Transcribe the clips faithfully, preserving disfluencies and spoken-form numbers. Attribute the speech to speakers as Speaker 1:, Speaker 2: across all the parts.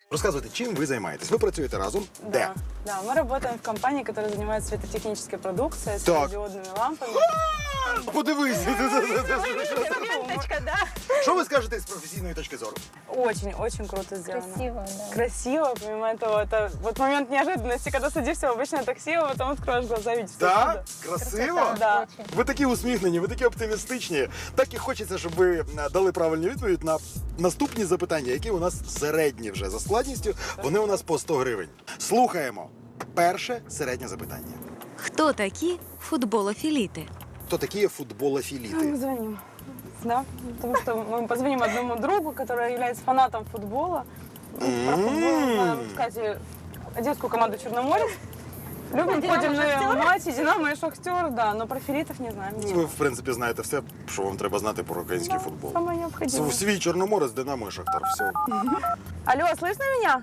Speaker 1: Розказуйте, чим ви займаєтесь? Ви працюєте разом?
Speaker 2: Да,
Speaker 1: Де?
Speaker 2: да, мы работаем в компании, которая занимается светотехнической продукцией, с
Speaker 1: Так.
Speaker 2: диодными лампами.
Speaker 1: Подивись!
Speaker 2: Ленточка, да?
Speaker 1: Що ви скажете з професійної точки зору?
Speaker 2: Очень, очень круто сделано.
Speaker 3: Красиво, да.
Speaker 2: Красиво, помимо этого, это вот момент неожиданности, когда садишься в обычное такси, а потом откроешь глаза, видишь.
Speaker 1: Так? Красиво?
Speaker 2: Да.
Speaker 3: Очень.
Speaker 1: Ви такі усміхнені, ви такі оптимістичні. Так і хочеться, щоб ви е, дали правильну відповідь на наступні запитання, які у нас середні вже за складністю. Вони у нас по сто гривень. Слухаємо. Перше середнє запитання.
Speaker 4: Хто такі футболофіліти?
Speaker 1: Хто такі
Speaker 2: Мы
Speaker 1: футболофіліти?
Speaker 2: звоним. Да, потому что мы позвоним одному другу, который является фанатом футбола. Ну, Про футбол знаем, кстати, одесскую команду «Черноморец». Любим,
Speaker 3: «Динамо»,
Speaker 2: ходим на
Speaker 3: «Шахтер»?
Speaker 2: матчи, «Динамо» и «Шахтер», да, но про филитов не знаем
Speaker 1: Ви,
Speaker 2: ничего.
Speaker 1: в принципі, знаєте все, що вам треба знати про український
Speaker 2: Да,
Speaker 1: футбол.
Speaker 2: самое необходимое.
Speaker 1: С- Свій Чорноморець, Динамо і Шахтар. Все.
Speaker 2: Алло, слышно меня?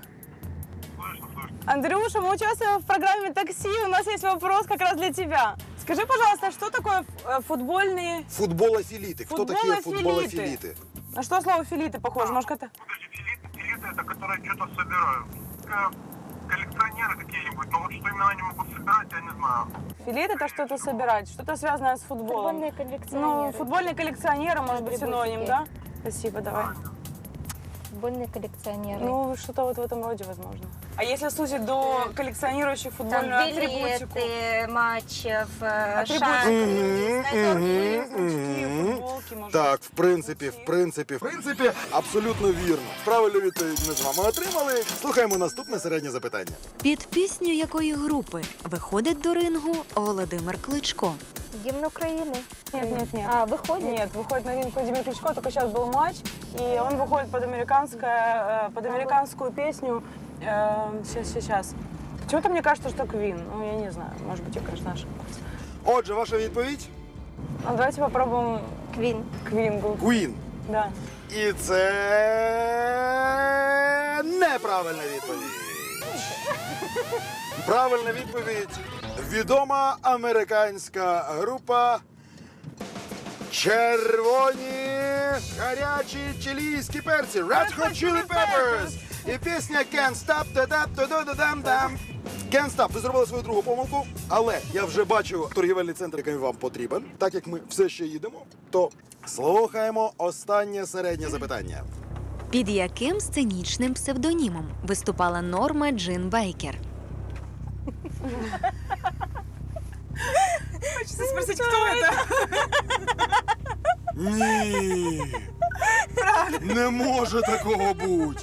Speaker 2: Андрюша, мы участвуем в программе «Такси». У нас есть вопрос как раз для тебя. Скажи, пожалуйста, что такое э, футбольные...
Speaker 1: Футболофіліти. Хто такі
Speaker 2: Футболофіліти.
Speaker 1: футболофіліти?
Speaker 2: На что слово «филиты» похоже? Может, это...
Speaker 5: Подожди, филиты, филиты это которые что-то собирают. Э, Коллекционеры какие-нибудь, но вот что именно они могут собирать, я не знаю.
Speaker 2: Филит – это что-то собирать, что-то связанное с футболом.
Speaker 3: Футбольные коллекционеры.
Speaker 2: Ну, футбольные коллекционеры, может быть, синоним, да? Спасибо, давай.
Speaker 3: Футбольные коллекционеры.
Speaker 2: Ну, что-то вот в этом роде, возможно. А если сузить до коллекционирующих
Speaker 3: Там
Speaker 2: футбольную атрибутику?
Speaker 3: билеты матчев, э,
Speaker 2: Атрибутику.
Speaker 3: шарфы, снайперки.
Speaker 2: Значки, футболки, может
Speaker 1: Так,
Speaker 2: быть.
Speaker 1: в принципі, в принципі, в принципі, абсолютно вірно. Правильну відповідь ми з вами отримали. Слухаємо наступне середнє запитання.
Speaker 4: Під пісню якої групи виходить до рингу Володимир Кличко?
Speaker 3: Гимн Украины.
Speaker 2: Нет, нет, нет.
Speaker 3: А, выходит?
Speaker 2: Нет, выходит на ринг Владимир Кличко, только сейчас был матч, и он выходит под, американское, э, под американскую песню. э, Сейчас, сейчас. Почему-то мне кажется, что Квин. Ну, я не знаю, может быть, я, конечно, ошибаюсь.
Speaker 1: Отже, ваша відповідь?
Speaker 2: Ну, давайте попробуем
Speaker 3: Квин.
Speaker 2: Квин.
Speaker 1: Queen.
Speaker 2: Да.
Speaker 1: І це неправильна відповідь. Правильна відповідь. Відома американська група Червоні гарячі чилійські перці. Red Hot Chili Peppers. І пісня Can't Stop. Та-да-та-да-да-дам-дам. Can't Stop. Ви зробили свою другу помилку, але я вже бачу торгівельний центр, який вам потрібен. Так як ми все ще їдемо, то слухаємо останнє середнє запитання.
Speaker 4: Під яким сценічним псевдонімом виступала Норма Джин Бейкер?
Speaker 2: Хочется спросить, кто это?
Speaker 1: Ні. Не може такого бути.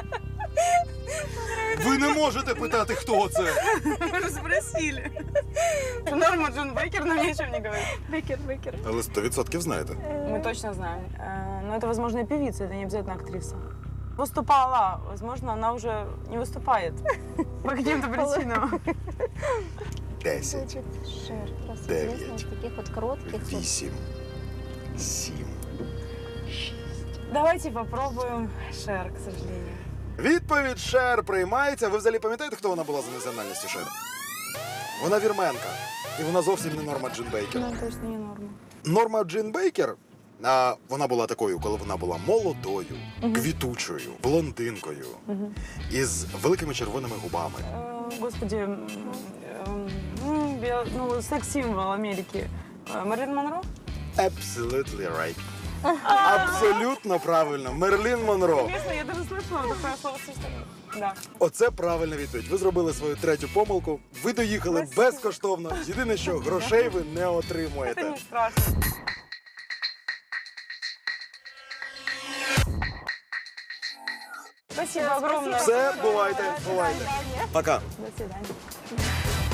Speaker 1: Ви не можете питати, хто це.
Speaker 2: Мы же спросили. Норма Джон Бейкер нам ни о чем не говорит.
Speaker 3: Бекер, Бекер.
Speaker 1: Але сто відсотків знаєте.
Speaker 2: Мы точно знаем. Э, Но это, возможно, и певица, это не обязательно актриса. Выступала, возможно, она уже не выступает. По каким-то причинам.
Speaker 1: Десять,
Speaker 3: Значит, Шер. Просто
Speaker 1: Девять.
Speaker 3: известно из таких вот коротких. вот.
Speaker 1: вісім, сім.
Speaker 2: Давайте попробуем Шер, к сожалению.
Speaker 1: Відповідь Шер приймається. Ви взагалі пам'ятаєте, хто вона була за національністю Шер? Вона вірменка. І вона зовсім не Норма Джин Бейкер.
Speaker 2: Ну, точно не Норма.
Speaker 1: Норма Джин Бейкер, а, вона була такою, коли вона була молодою, квітучою, блондинкою, із великими червоними губами.
Speaker 2: Э, Господи, м, м, м, я- ну, секс-символ Америки. Э, Мерлин Монро?
Speaker 1: Absolutely right. Абсолютно правильно. Мерлін Монро.
Speaker 2: Интересно, я даже слышала такое словосочетание. Да.
Speaker 1: Оце правильна відповідь. Ви зробили свою третю помилку. Ви доїхали
Speaker 2: Спасибо.
Speaker 1: безкоштовно. Єдине, що грошей ви не
Speaker 2: Это
Speaker 1: отримуєте.
Speaker 2: не страшно. Спасибо огромное.
Speaker 1: Все, бувайте, бувайте. Пока.
Speaker 2: До свидания.